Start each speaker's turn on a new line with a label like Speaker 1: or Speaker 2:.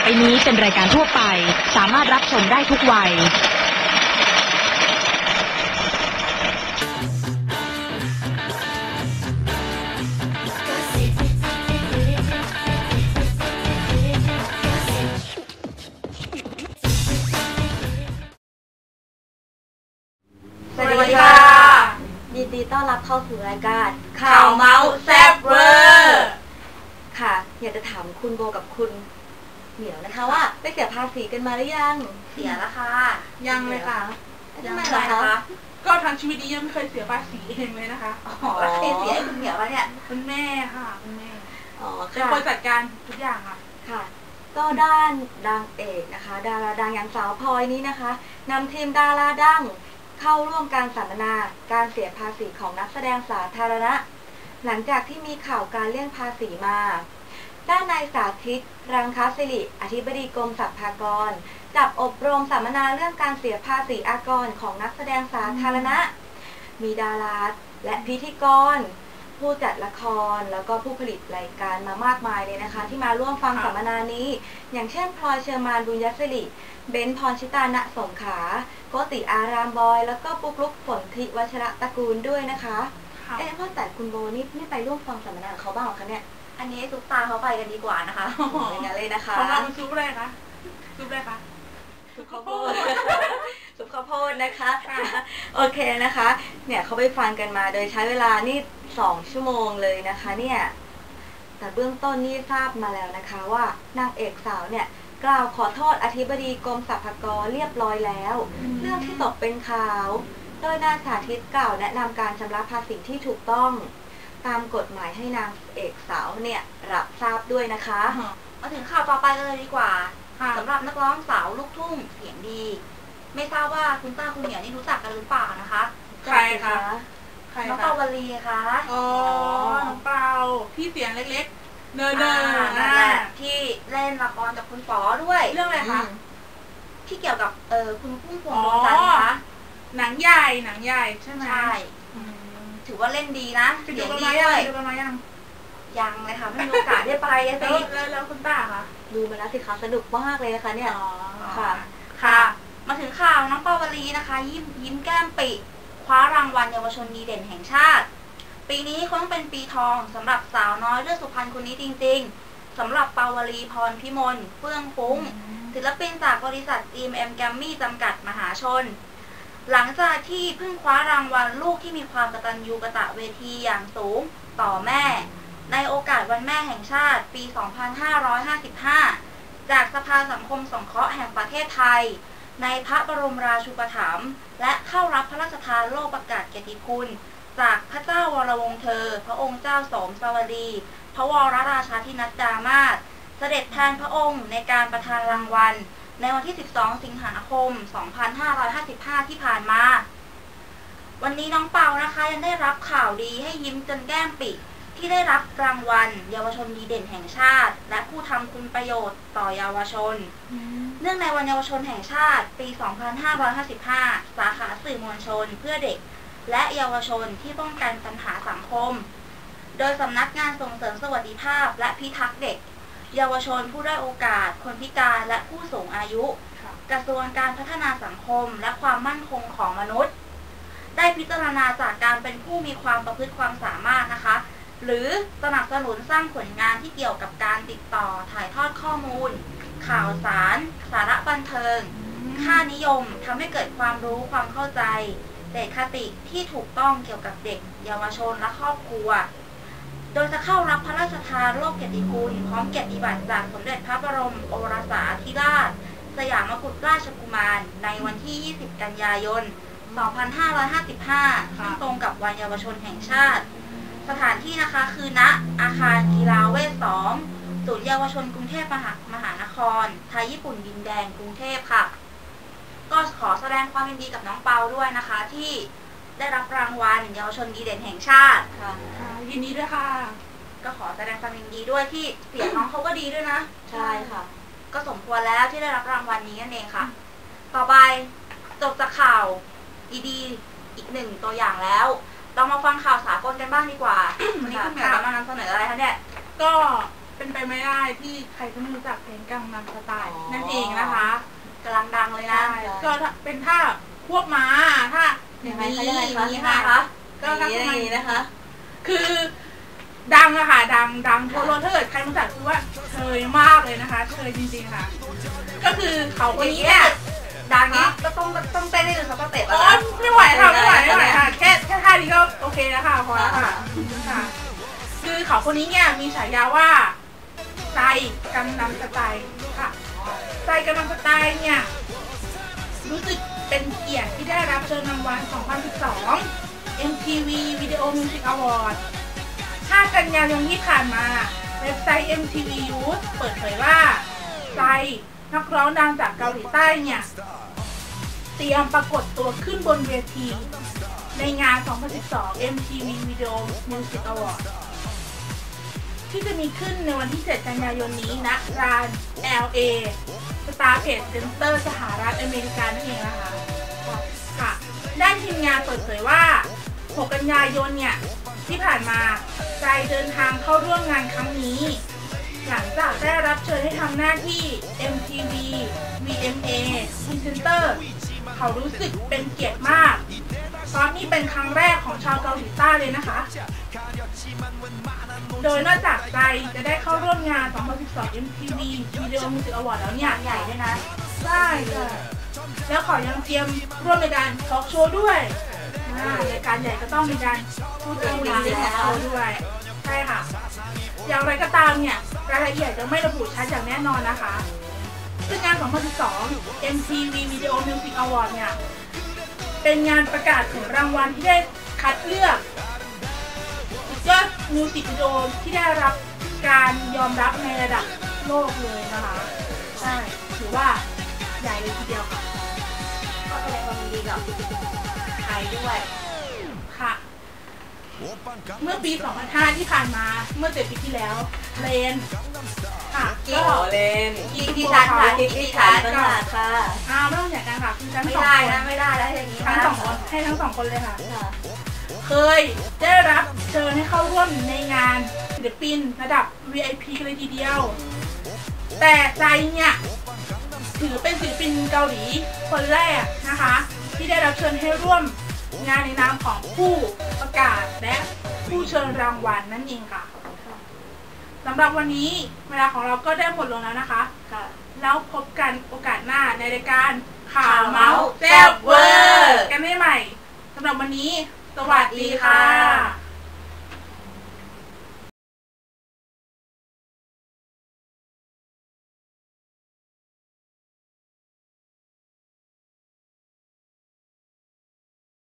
Speaker 1: ไปนี้เป็นรายการทั่วไปสามารถรับชมได้ทุกวัย
Speaker 2: สวัสดีค่ะยินดีต้อนรับเข้าสู่รายการข่าวเมาส์แซ่บเวอร์ค่ะอยากจะถามคุณโบกับคุณเหมียวนะคะว่าได้เสียภาษีกันมาหรือยังเสียแล้วค่ะ
Speaker 3: ยังเลยค่ะ
Speaker 2: ทำไมล่ะคะ
Speaker 3: ก็ทั้งชีวิตนี้ยังไม่เคยเสียภาษีเองเลยนะคะ
Speaker 2: แล้วใครเสียให้คุณเหมียววะเนี่ย
Speaker 3: คุณแม่ค่ะคุณแม่
Speaker 2: เป็น
Speaker 3: คนจัดการทุกอย่าง
Speaker 2: ค่ะก็ด้านดังเอกนะคะดาราดังอย่างสาวพลอยนี้นะคะนำทีมดาราดังเข้าร่วมการสัมมนาการเสียภาษีของนักแสดงสาธารณะหลังจากที่มีข่าวการเลี่ยงภาษีมาด้านนายสาธิตรังคศิริอธิบดีกรมสรรพากรจับอบรมสัมมนาเรื่องการเสียภาษีอากรของนักแสดงสาธารณะมีดาราและพิธีกรผู้จัดละครแล้วก็ผู้ผลิตรายการมามากมายเลยนะคะที่มาร่วมฟังสัมมนานี้อย่างเช่นพลอยเชอร์มานบุญยศิริเบนซ์พรชิตาณสงขลาโกติอารามบอยแล้วก็ปุ๊กลุกฝนธิวัชระตระกูลด้วยนะคะเพราะแต่คุณโบนี่ไม่ไปร่วมฟังสัมมนาของเขาบ้างหรอคะเนี่ยอันนี้ซุปตาเขาไปกันดีกว่านะคะอย่างนั้นเลยนะคะ
Speaker 3: ของเราซุปอะไรคะซุปอะไรคะ
Speaker 2: ซุปข้าวโพดซุปข้าวโพดนะคะโอเคนะคะเนี่ยเขาไปฟังกันมาโดยใช้เวลานี่2 ชั่วโมงเลยนะคะเนี่ยแต่เบื้องต้นนี่ทราบมาแล้วนะคะว่านางเอกสาวเนี่ยกล่าวขอโทษอธิบดีกรมสรรพากรเรียบร้อยแล้วเรื่องที่ตกเป็นข่าวโดยนายสาธิตกล่าวแนะนำการชำระภาษีที่ถูกต้องตามกฎหมายให้นางเอกสาวเนี่ยรับทราบด้วยนะคะมาถึงข่าวต่อไปกันเลยดีกว่าสำหรับนักร้องสาวลูกทุ่งเสียงดีไม่ทราบว่าคุณต้าคุณเหนียวนี่รู้จักกันหรือเปล่านะคะ
Speaker 3: ใครคะ
Speaker 2: น้องเปาวลีค่ะ
Speaker 3: อ๋อน้องเปาที่เสียงเล็กๆเนิร์
Speaker 2: นั่นแหละที่เล่นละครกับคุณป๋อด้วย
Speaker 3: เรื่องอะไรคะ
Speaker 2: ที่เกี่ยวกับคุณพุ่มพวงดวงจันทร์คะ
Speaker 3: หนังใหญ่ใช่ไหม
Speaker 2: ใช่ถือว่าเล่นดีนะ
Speaker 3: เสียงดีด้วยดูกันมา
Speaker 2: ยังเลยค่ะไม่มีโอกาสได้ไป
Speaker 3: แล้วคุณต้าคะ
Speaker 2: ดูมาแล้วสิคะสนุกมากเลยนะคะเนี่ย
Speaker 3: ค่ะ
Speaker 2: มาถึงข่าวน้องเปาวลีนะคะยิ้มแก้มปิคว้ารางวัลเยาวชนดีเด่นแห่งชาติปีนี้คงเป็นปีทองสำหรับสาวน้อยเลือดสุพรรณคนนี้จริงๆสำหรับเปาวลีพรพิมลเฟื่องฟุ้งศิลปินจากบริษัท GMM แกรมมี่จำกัดมหาชนหลังจากที่เพิ่งคว้ารางวัลลูกที่มีความกตัญญูกตเวทีอย่างสูงต่อแม่ในโอกาสวันแม่แห่งชาติปี 2555 จากสภาสังคมสงเคราะห์แห่งประเทศไทยในพระบรมราชูปถัมภ์และเข้ารับพระราชทานโล่ประกาศเกียรติคุณจากพระเจ้าวรวงศ์เธอพระองค์เจ้าสมสวดีพระวรราชาธินัดดามาศเสด็จแทนพระองค์ในการประทานรางวัลในวันที่ 12 สิงหาคม 2555 ที่ผ่านมาวันนี้น้องเปานะคะยังได้รับข่าวดีให้ยิ้มจนแก้มปิที่ได้รับรางวัลเยาวชนดีเด่นแห่งชาติและผู้ทำคุณประโยชน์ต่อเยาวชนเนื่องในวันเยาวชนแห่งชาติปี 2555 สาขาสื่อมวลชนเพื่อเด็กและเยาวชนที่ป้องกันปัญหาสังคมโดยสำนักงานส่งเสริมสวัสดิภาพและพิทักษ์เด็กเยาวชนผู้ด้อยโอกาสคนพิการและผู้สูงอายุกระทรวงการพัฒนาสังคมและความมั่นคงของมนุษย์ได้พิจารณาจากการเป็นผู้มีความประพฤติความสามารถนะคะหรือสนับสนุนสร้างผลงานที่เกี่ยวกับการติดต่อถ่ายทอดข้อมูลข่าวสารสาระบันเทิงค่านิยมทำให้เกิดความรู้ความเข้าใจเด็กคติที่ถูกต้องเกี่ยวกับเด็กเยาวชนและครอบครัวโดยจะเข้ารับพระราชทานโล่เกียรติคุณพร้อมเกียรติบัตรจากสมเด็จพระบรมโอรสาธิราชสยามกุฎราชกุมารในวันที่ 20 กันยายน 2555 ซึ่งตรงกับวันเยาวชนแห่งชาติสถานที่นะคะคือณอาคารกีฬาเวท 2 ศูนย์เยาวชนกรุงเทพมหานครไทยญี่ปุ่นดินแดงกรุงเทพค่ะก็ขอแสดงความยินดีกับน้องเปาด้วยนะคะที่ได้รับรางวัลเยาวชนดีเด่นแห่งชาติค่ะ
Speaker 3: ยินดีด้วยค่ะ
Speaker 2: ก็ขอแสดงความยินดีด้วยที่เสียงน้องเขาก็ดีด้วยนะใช่ค่ะก็สมควรแล้วที่ได้รับรางวัลนี้นั่นเองค่ะต่อไปจบจากข่าวดีๆอีก1ตัวอย่างแล้วเรามาฟังข่าวสากลกันบ้างดีกว่าวันนี้คุณเหมียวจะมานำเสนออะไรคะเนี่ย
Speaker 3: ก็เป็นเป็นไปไม่ได้ที่ใครจะไม่รู้จักเพลงกังนัมสไตล์นั่นเองนะคะ
Speaker 2: กำลังดังเลยนะ
Speaker 3: ก็เป็นท่าควบม้าท่า
Speaker 2: ยังไงคะยังไง
Speaker 3: นี้
Speaker 2: คะ
Speaker 3: ค่ะก็
Speaker 2: อย่างนี้นะคะ
Speaker 3: คือดังอะค่ะดังทั่วโลกถ้าเกิดใครรู้จักคือว่าเชยมากเลยนะคะเชยจริงๆค่ะ ก็คือเขาคนนี้เนี่ย
Speaker 2: ดังนี้ก็ต้องเต้นให้ดูสักสเต็ป
Speaker 3: โอ๊
Speaker 2: นะ
Speaker 3: ยไม่ไหวค่ะไม่ไหวค่ะแค่ท่านี้ก็โอเคแล้วค่ะพอแล้วค่ะคือเขาคนนี้เนี่ยมีฉายาว่าไซกังนัมสไตล์ค่ะไซกังนัมสไตล์เนี่ยรู้สึกเป็นเกียรติที่ได้รับเชิญรางวัล 2012 MTV Video Music Award 5 กันยายนที่ผ่านมาเว็บไซต์ MTV Youth เปิดเผยว่าไซนักร้องดังจากเกาหลีใต้เนี่ยเตรียมปรากฏตัวขึ้นบนเวทีในงาน 2012 MTV Video Music Award ที่จะมีขึ้นในวันที่ 7 กันยายนนี้ณลาน LA Star Trade Center สหรัฐอเมริกานั่นเองนะคะค่ะด้านทีมงานเปิดเผยว่า 6 กันยายนเนี่ยที่ผ่านมาใจเดินทางเข้าร่วมงานครั้งนี้หลังจากได้รับเชิญให้ทำหน้าที่ MTV VMA Presenter เขารู้สึกเป็นเกียรติมากเพราะนี่เป็นครั้งแรกของชาวเกาหลีใต้เลยนะคะโดยนอกจากใจจะได้เข้าร่วมงาน 2012 MTV Video Music Award แล้วเนี่ย
Speaker 2: ใหญ่ด้วยนะ
Speaker 3: ใช่แล้วขอยังเตรียมร่วมในการทอล์กโชว์ด้วยรายการใหญ่ก็ต้องมีการพูดคุยในทอล์กโชว์ด้วยใช่ค่ะอย่างไรก็ตามเนี่ยรายละเอียดจะไม่ระบุชัดอย่างแน่นอนนะคะซึ่งงาน 2012 MTV Video Music Award เนี่ยเป็นงานประกาศผลรางวัลที่ได้คัดเลือกยอดมิวสิกวิดีโอที่ได้รับการยอมรับในระดับโลกเลยนะคะใช่ถือว่าใหญ่เลยทีเดียวค่ะ
Speaker 2: ก็แสดงความยินดีกับไทยด้วย
Speaker 3: ค่ะเมื่อปี 2005 ที่ผ่านมาเมื่อ7 ปีที่แล้วเลนค่ะ
Speaker 2: ก็เลนที่ชัดค่ะที่ชัดค่ะ
Speaker 3: ไม่ต้องอย่างกันค่ะคือทั้ง
Speaker 2: ไม่
Speaker 3: สอง
Speaker 2: ได้
Speaker 3: คน
Speaker 2: นะไม่ได้แล้วอย่างนี้
Speaker 3: ทั้ง
Speaker 2: นะ
Speaker 3: สองคนให้ทั้งสองคนเลยค่ะ
Speaker 2: ค่ะ
Speaker 3: เคยได้รับเชิญให้เข้าร่วมในงานศิลปินระดับ VIP กันเลยทีเดียว แต่ใจเนี่ยถือเป็นศิลปินเกาหลีคนแรกนะคะที่ได้รับเชิญให้ร่วมงานในนามของผู้ประกาศและผู้เชิญรางวัลนั่นเองค่ะสำหรับวันนี้เวลาของเราก็ได้หมดลงแล้วนะคะแล้วพบกันโอกาสหน้าในรายการข่าวเมาส์แซ่บเวอร์กันได้ใหม่สำหรับวันนี้สวัสดีค่ะ